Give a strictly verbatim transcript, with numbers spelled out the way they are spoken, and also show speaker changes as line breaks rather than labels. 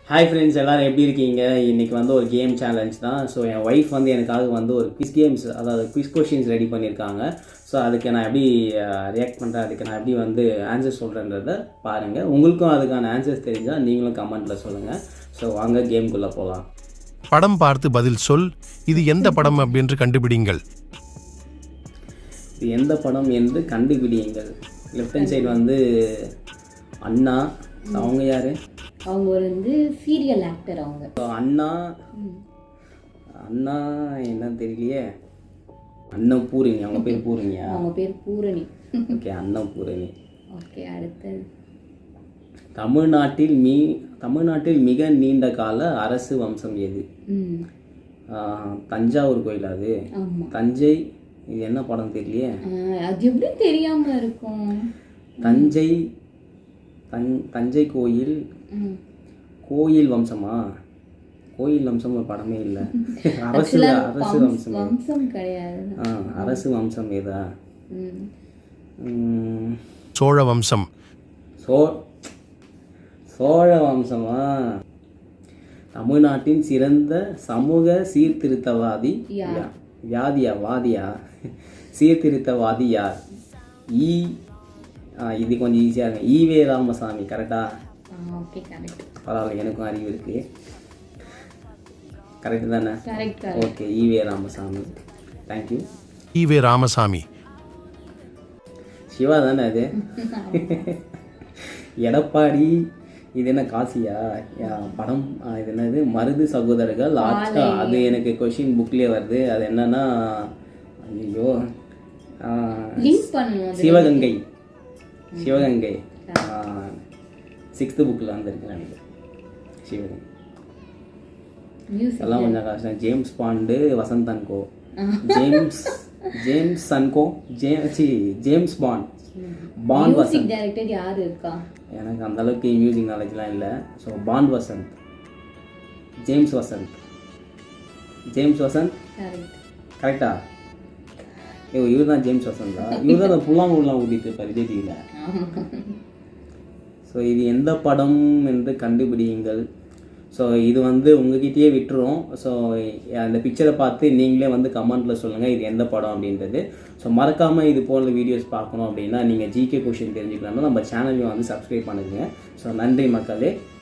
Hi friends, எல்லோரும் எப்படி இருக்கீங்க? இன்றைக்கி வந்து ஒரு கேம் சேலஞ்ச் தான். ஸோ என் ஒய்ஃப் வந்து எனக்காக வந்து ஒரு குவிஸ் கேம்ஸ், அதாவது குவிஸ் கொஷின்ஸ் ரெடி பண்ணியிருக்காங்க. ஸோ அதுக்கு நான் எப்படி ரியாக்ட் பண்ணுறேன், அதுக்கு நான் எப்படி வந்து ஆன்சர் சொல்கிறேன்றதை பாருங்கள். உங்களுக்கும் அதுக்கான ஆன்சர்ஸ் தெரிஞ்சால் நீங்களும் கமெண்ட்டில் சொல்லுங்கள். ஸோ வாங்க கேம்குள்ளே போகலாம்.
படம் பார்த்து பதில் சொல். இது எந்த படம் என்று கண்டுபிடிங்கள்.
இது எந்த படம் என்று கண்டுபிடியுங்கள். லெஃப்ட் ஹேண்ட் சைடு வந்து அண்ணா. அவங்க யார்?
அவங்க ஒரு வந்து சீரியல் ஆக்டர். அவங்க
அண்ணா அண்ணா என்ன தெரியலையே. அண்ணன் பூரணி. அவங்க பேர் பூரணியா?
அவங்க பேர் பூரணி.
ஓகே, அண்ணன் பூரணி.
ஓகே, அடுத்து
தமிழ்நாட்டில் மீ தமிழ்நாட்டில் மிக நீண்ட கால அரசு வம்சம் எது? தஞ்சாவூர் கோயில். அது தஞ்சை. இது என்ன படம் தெரியலையே.
அது எப்படி தெரியாம இருக்கும்?
தஞ்சை தன் தஞ்சை கோயில். கோயில் வம்சமா? கோயில் வம்சம் ஒரு படமே இல்லை. அரசு அரசு வம்சம்
வம்சம் கிடையாது.
ஆ, அரசு வம்சம் ஏதா?
சோழ வம்சம்.
சோ சோழ வம்சமா? தமிழ்நாட்டின் சிறந்த சமூக சீர்திருத்தவாதி வியாதியா வாதியா சீர்திருத்தவாதி யார்? ஈ இது கொஞ்சம் ஈஸியாக இருக்கு. ஈவே ராமசாமி. கரெக்டா?
Okay, correct.
பரவாயில்ல, எனக்கும் அறிவு இருக்கு. கரெக்டு தானே?
Correct.
Okay, E V Ramasamy. Thank you.
E V Ramasamy.
Siva தானே அது? எடப்பாடி. இது என்ன காசியா படம்? இது என்னது? மருது சகோதரர்கள் ஆட்கா. அது எனக்கு கொஷின் புக்லேயே வருது. அது என்னன்னா, ஐயோ, சிவகங்கை. சிவகங்கை சிக்ஸ்த்து புக்கில் வந்துருக்கு எனக்கு. சிவகங்கை எல்லாம் கொஞ்சம் கஷ்டம். James Bond, Vasanth and co. James James and co J C James Bond. Bond Vasanth.
Director யார் இருக்கா?
எனக்கு அந்த அளவுக்கு மியூசிக் நாலேஜ்லாம் இல்லை. So Bond Vasanth. James Vasanth. James Vasanth கரெக்டா? ஐயோ, இவர் தான் ஜேம்ஸ் வசந்தா? இவர் தான் புல்லாங்குழலாம் ஊதிட்டு இருப்பார் விஜய் டிவியில். ஸோ இது எந்த படம் என்று கண்டுபிடியுங்கள். ஸோ இது வந்து உங்ககிட்டயே விட்டுரும். ஸோ அந்த பிக்சரை பார்த்து நீங்களே வந்து கமெண்ட்டில் சொல்லுங்கள் இது எந்த படம் அப்படின்றது. ஸோ மறக்காமல் இது போன்ற வீடியோஸ் பார்க்கணும் அப்படின்னா நீங்கள் ஜிகே கொஷின் தெரிஞ்சுக்கலாம்னா நம்ம சேனலையும் வந்து சப்ஸ்கிரைப் பண்ணுங்க. ஸோ நன்றி மக்களே.